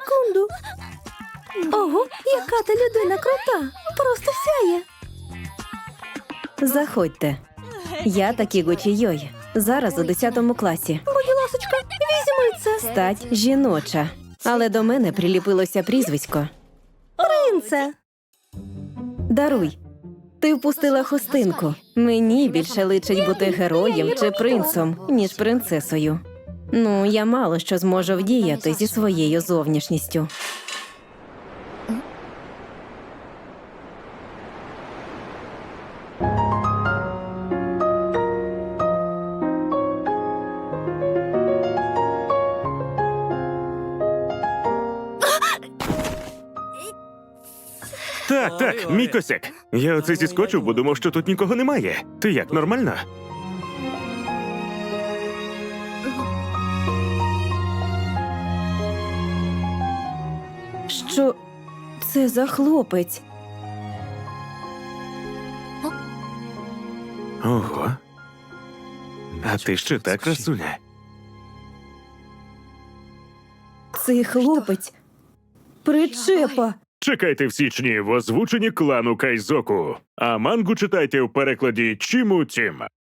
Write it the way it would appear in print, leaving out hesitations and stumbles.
секунду. Ого, яка ти людина крута. Просто сяє. Заходьте. Я Такіго Чійой. Зараз у 10 класі. Будь ласочка, візьми це. Стать жіноча. Але до мене приліпилося прізвисько. Принце. Даруй. Ти впустила хустинку. Мені більше личить бути героєм чи принцем, ніж принцесою. Ну, я мало що зможу вдіяти зі своєю зовнішністю. Так, мій косяк. Я оце зіскочив, бо думав, що тут нікого немає. Ти як, нормально? Що це за хлопець? Ого. А ти ще та красуня. Цей хлопець причепа. Чекайте в січні в озвученні клану Кайзоку. А мангу читайте в перекладі Чіму Тім.